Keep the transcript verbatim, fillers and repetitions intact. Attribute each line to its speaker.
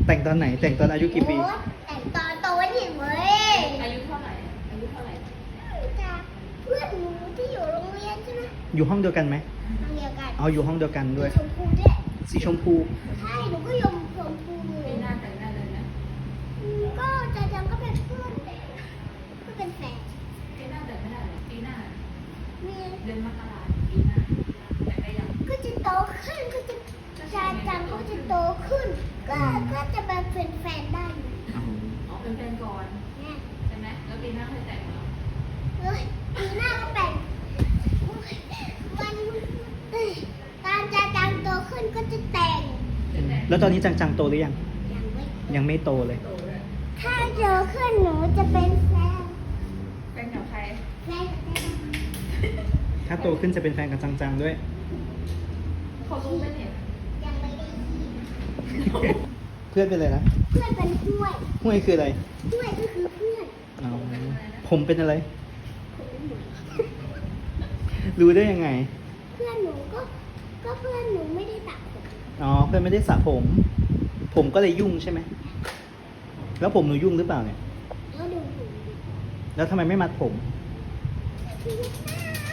Speaker 1: แต่งตอนไหน แต่งตอนอายุกี่ปี
Speaker 2: โอ๊ยแต่งตอนโตนี่เว้ย
Speaker 3: อายุเท่าไหร่อายุเท่าไหร่
Speaker 2: จากเพื่อนหนูที่อยู่โรงเรียนใช่ไหม
Speaker 1: อยู่ห้องเดียวกันไหม
Speaker 2: โรงเรียนกัน
Speaker 1: เอาอยู่ห้องเดียวกันด้วย
Speaker 2: ชมพูด้วย
Speaker 1: สีชมพู
Speaker 2: ใช่หนูก็ยมชมพูเล
Speaker 3: ปี
Speaker 2: ย
Speaker 3: หน้าแต่งหน้าเลยนะ
Speaker 2: อืมก็จะจังก็เป็นเพื่อนก็เป็นแฟน
Speaker 3: ปีหน้าแต่งไม่ได้หรอปีหน้า
Speaker 2: มี
Speaker 3: เดือนมกราปีหน้าแต่งได้ยัง
Speaker 2: ก็จะโตขึ้นก็จะจะจังก็จะโตขึ้น ก็ก็จะมาเป็นแฟนได้อยู่
Speaker 3: อ๋อเป็นแฟนก่อน
Speaker 2: เนี่ย
Speaker 3: ใช่ไหมแล้วปีหน้าค่อยแต่งเหรอ
Speaker 2: เฮ้ยปีหน้าก็แต่งมันเอ้ยตอนจะจังโตขึ้นก็จะแต่ง
Speaker 3: จะแต่ง
Speaker 1: แล้วตอนนี้จังๆโตหรือยัง
Speaker 2: ยังไม่
Speaker 1: ยังไม่โตเลย
Speaker 3: โตเลย
Speaker 2: ถ้าโตขึ้นหนูจะเป็นแฟน
Speaker 3: แฟนกับใคร
Speaker 2: แฟนกับแฟน
Speaker 1: ถ้าโตขึ้นจะเป็นแฟนกับจังๆด้วย
Speaker 3: เขารู้ไหมเนี่ย
Speaker 2: ยังไม่ได้ยิน
Speaker 1: เพื่อนเป็นอะไรนะ
Speaker 2: เพื่อนเป็นห้วย
Speaker 1: ห้วยคืออะไร
Speaker 2: ห้วยก็คือเพื่อน
Speaker 1: อ๋อผมเป็นอะไร รู้ได้ยังไง
Speaker 2: เพื่อนหนูก็ก็เพื่อนหนูไม่ได้ตัดผม
Speaker 1: อ๋อ เพื่อนไม่ได้สระผม ผมก็เลยยุ่งใช่ไหม แล้วผมหนูยุ่งหรือเปล่าเนี่ย
Speaker 2: แล้วดูหู
Speaker 1: แล้วทำไมไม่มัดผม
Speaker 2: คือหน้า